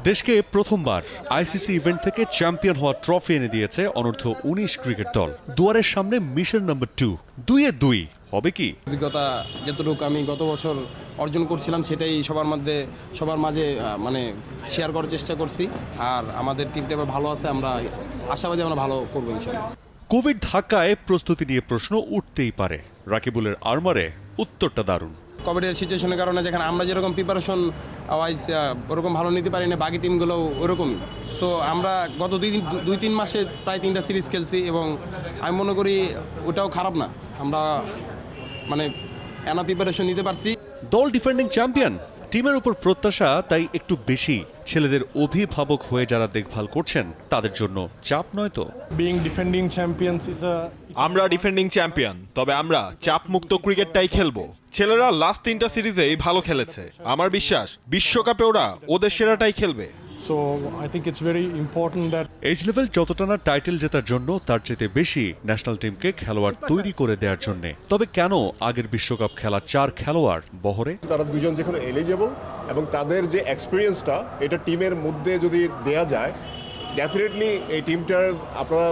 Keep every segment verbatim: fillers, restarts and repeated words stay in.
দেশকে প্রথমবার ICC event থেকে চ্যাম্পিয়ন হওয়ার ট্রফি এনে দিয়েছে অনূর্ধ্ব উনিশ ক্রিকেট দল। দুয়ারের সামনে মিশন নাম্বার টু, দুইয়ে দুই হবে কি? অভিজ্ঞতা যতটুকু আমি গত বছর অর্জন করছিলাম সেটাই সবার মধ্যে সবার মাঝে মানে শেয়ার করার চেষ্টা করছি। আর আমাদের টিমটা এবার ভালো আছে, আমরা আশাবাদী আমরা ভালো করবো ইনশাআল্লাহ। কোভিড ধাক্কায় প্রস্তুতি নিয়ে প্রশ্ন উঠতেই পারে। রাকিবুলের আরমারে উত্তরটা দারুণ। কোভিডের সিচুয়েশনের কারণে যেখানে আমরা যেরকম প্রিপারেশন ওয়াইজ ওরকম ভালো নিতে পারি না, বাকি টিমগুলো ওরকমই। সো আমরা গত দুই দিন দুই তিন মাসে প্রায় তিনটা সিরিজ খেলছি এবং আমি মনে করি ওটাও খারাপ না, আমরা মানে এনা প্রিপারেশন নিতে পারছি। দল ডিফেন্ডিং চ্যাম্পিয়ন, টিমের উপর প্রত্যাশা তাই একটু বেশি। ছেলেদের অভিভাবক হয়ে যারা দেখভাল করছেন তাদের জন্য চাপ নয় তো? Being defending champions is a আমরা ডিফেন্ডিং চ্যাম্পিয়ন, তবে আমরা চাপমুক্ত ক্রিকেটটাই খেলবো। ছেলেরা লাস্ট তিনটা সিরিজেই ভালো খেলেছে। আমার বিশ্বাস বিশ্বকাপে ওরা ওদের সেরাটাই খেলবে। so I think it's very important that age level যতটা না টাইটেল জেতার জন্য, তার চেয়ে বেশি ন্যাশনাল টিমকে খেলোয়াড় তৈরি করে দেওয়ার জন্য। তবে কেন আগের বিশ্বকাপ খেলা চার খেলোয়াড় বহরে? তারা দুজন যেখানে এলিজেবল এবং তাদের যে এক্সপিরিয়েন্সটা এটা টিমের মধ্যে যদি দেয়া যায়, ডেফিনেটলি এই টিমটার আপনারা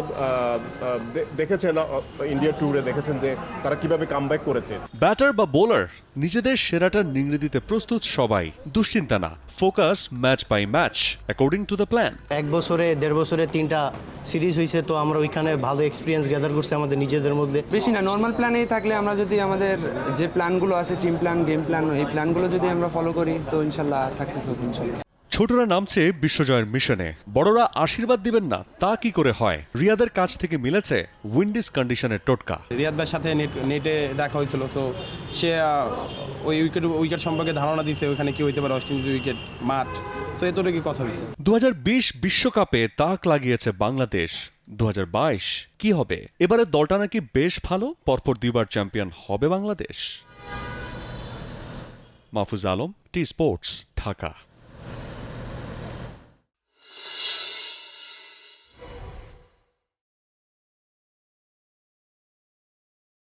দেখেছেন ইন্ডিয়া ট্যুরে দেখেছেন যে তারা কিভাবে কামব্যাক করেছে। ব্যাটার বা বোলার নিজেদের সেরাটা নিংড়ে দিতে প্রস্তুত সবাই। দুশ্চিন্তা না, focus match by match according to the plan. এক বছরে দেড় বছরে তিনটা সিরিজ হয়েছে, তো আমরা ওইখানে ভালো এক্সপিরিয়েন্স গ্যাদার করছি আমাদের নিজেদের মধ্যে। বেশি না, নর্মাল প্ল্যানেই থাকলে আমরা যদি আমাদের যে প্ল্যানগুলো আছে, টিম প্ল্যান, গেম প্ল্যান, এই প্ল্যানগুলো যদি আমরা ফলো করি তো ইনশাল্লাহ সাকসেস হবে ইনশাল্লাহ। ছোটরা নামছে বিশ্বজয়ের মিশনে, বড়রা আশীর্বাদ দিবেন না তা কি করে হয়? রিয়াদের কাছ থেকে মিলেছে উইন্ডিজ কন্ডিশনের টোটকা। রিয়াদ ভাইয়ের সাথে নেট নেটে দেখা হয়েছিল, সো সে ওই উইকেট উইকেট সম্পর্কে ধারণা দিয়েছে, ওইখানে কি হইতে পারে ওয়েস্ট ইন্ডিজ উইকেট, মাঠ। সো এতটুকু কথা হয়েছে। দু হাজার বিশ বিশ্বকাপে তাক লাগিয়েছে বাংলাদেশ। দু হাজার বাইশ কি হবে? এবারে দলটা নাকি বেশ ভালো, পরপর দুইবার চ্যাম্পিয়ন হবে বাংলাদেশ। Mahfuz Alam, T Sports, Dhaka.